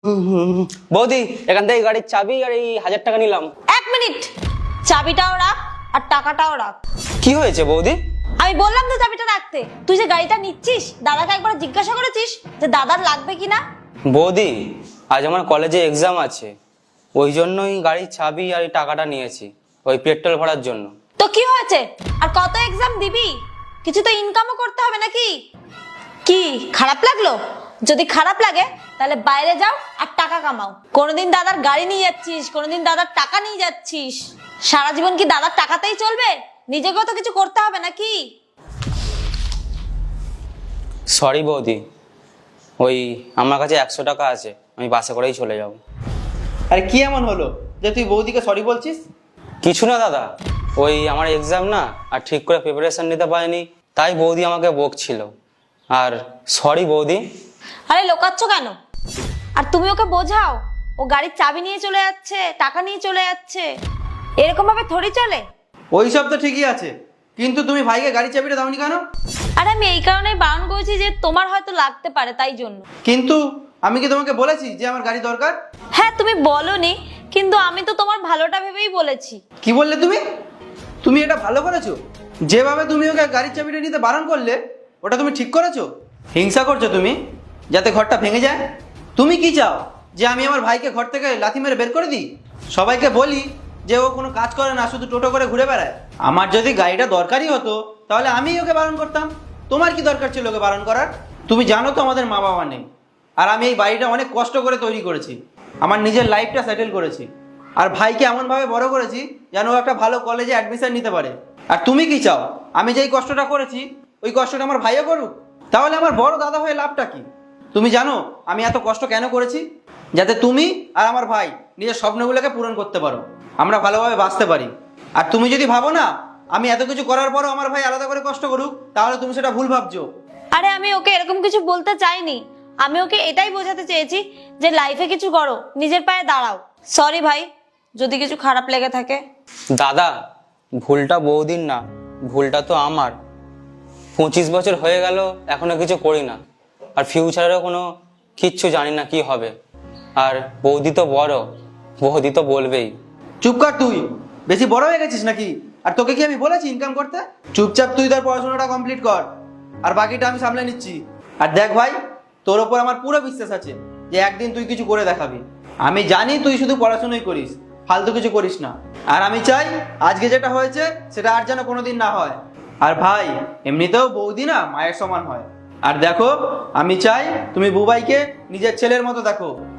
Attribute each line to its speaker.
Speaker 1: বৌদি, এখান থেকে গাড়ির চাবি আর এই 1000 টাকা নিলাম।
Speaker 2: 1 মিনিট, চাবিটাও রাখ আর টাকাটাও রাখ।
Speaker 1: কি হয়েছে বৌদি?
Speaker 2: আমি বললাম তো চাবিটা রাখতে। তুই যে গাড়িটা নিচ্ছিস, দাদাকে একবার জিজ্ঞাসা করেছিস যে দাদার লাগবে কিনা?
Speaker 1: বৌদি, আজ আমার কলেজে এক্সাম আছে, ওই জন্যই গাড়ির চাবি আর এই টাকাটা নিয়েছি, ওই পেট্রোল ভরার জন্য।
Speaker 2: তো কি হয়েছে, আর কত এক্সাম দিবি? কিছু তো ইনকামও করতে হবে নাকি? কি খারাপ লাগলো? যদি খারাপ লাগে তাহলে বাইরে যাও আর টাকা কামাও। কোনোদিন দাদার গাড়ি নিয়ে যাচ্ছিস, কোনোদিন দাদার টাকা নিয়ে যাচ্ছিস। সারা জীবন কি দাদার টাকাতেই চলবে? নিজেকেও তো কিছু করতে হবে নাকি?
Speaker 1: সরি বৌদি, ওই আমার কাছে 100 টাকা আছে, আমি বাসে করেই চলে যাব।
Speaker 3: আরে কি এমন হলো যে তুই বৌদিকে সরি বলছিস?
Speaker 1: কিছু না দাদা, ওই আমার এক্সাম না, আর ঠিক করে প্রিপারেশন নিতে পারিনি, তাই বৌদি আমাকে বকছিল। আর সরি বৌদি।
Speaker 2: আরে লোকাচ্ছ কেন? আর তুমি ওকে বোঝাও, ও গাড়ির চাবি নিয়ে চলে যাচ্ছে, টাকা নিয়ে চলে যাচ্ছে, এরকম ভাবে থরি চলে?
Speaker 3: ওই সব তো ঠিকই আছে, কিন্তু তুমি ভাইকে গাড়ি চাবিটা দাওনি কেন?
Speaker 2: আরে আমি এই কারণেই বারণ করেছি যে তোমার হয়তো লাগতে পারে, তাই জন্য।
Speaker 3: কিন্তু আমি কি তোমাকে বলেছি যে আমার গাড়ি দরকার?
Speaker 2: হ্যাঁ তুমি বলোনি, কিন্তু আমি তো তোমার ভালোটা ভেবেই বলেছি।
Speaker 3: কি বললে তুমি? তুমি এটা ভালো করেছো? যেভাবে তুমি ওকে গাড়ির চাবিটা নিতে বারণ করলে, ওটা তুমি ঠিক করেছো? হিংসা করছো তুমি, যাতে ঘরটা ভেঙে যায়? তুমি কি চাও যে আমি আমার ভাইকে ঘর থেকে লাথি মেরে বের করে দিই? সবাইকে বলি যে ও কোনো কাজ করে না, শুধু টোটো করে ঘুরে বেড়ায়? আমার যদি গাড়িটা দরকারই হতো তাহলে আমি ওকে বারণ করতাম। তোমার কি দরকার ছিল ওকে বারণ করার? তুমি জানো তো আমাদের মা বাবা নেই, আর আমি এই বাড়িটা অনেক কষ্ট করে তৈরি করেছি, আমার নিজের লাইফটা সেটেল করেছি, আর ভাইকে এমনভাবে বড় করেছি যেন ও একটা ভালো কলেজে অ্যাডমিশন নিতে পারে। আর তুমি কি চাও আমি যেই কষ্টটা করেছি ওই কষ্টটা আমার ভাইও করুক? তাহলে আমার বড় দাদা হয়ে লাভটা কি? তুমি জানো আমি এত কষ্ট কেন করেছি? যাতে তুমি আর আমার ভাই নিজের স্বপ্নগুলোকে পূরণ করতে পারো, আমরা ভালোভাবে বাঁচতে পারি। আর তুমি যদি ভাবো না আমি এত কিছু করার পরও আমার ভাই আলাদা করে কষ্ট করুক, তাহলে তুমি সেটা ভুল ভাবছো।
Speaker 2: আরে আমি ওকে এরকম কিছু বলতে চাইনি, আমি ওকে এটাই বোঝাতে চেয়েছি যে লাইফে কিছু করো, নিজের পায়ে দাঁড়াও। সরি ভাই, যদি কিছু খারাপ লেগে থাকে।
Speaker 1: দাদা, ভুলটা বৌদির না, ভুলটা তো আমার। 25 বছর হয়ে গেল এখনো কিছু করি না, আর ফিউচারেরও কোনো কিচ্ছু জানি না কি হবে। আর বৌদি তো বড়, বৌদি তো বলবেই।
Speaker 3: চুপ কর, তুই বেশি বড় হয়ে গেছিস নাকি? আর তোকে কি আমি বলেছি ইনকাম করতে? চুপচাপ তুই তোর পড়াশোনাটা কমপ্লিট কর, আর বাকিটা আমি সামলে নিচ্ছি। আর দেখ ভাই, তোর ওপর আমার পুরো বিশ্বাস আছে যে একদিন তুই কিছু করে দেখাবি। আমি জানি তুই শুধু পড়াশোনাই করিস, ফালতু কিছু করিস না। আর আমি চাই আজকে যেটা হয়েছে সেটা আর যেন কোনোদিন না হয়। আর ভাই, এমনিতেও বৌদি না মায়ের সমান হয়। আর দেখো, আমি চাই তুমি বুবাইকে নিজের ছেলের মতো দেখো।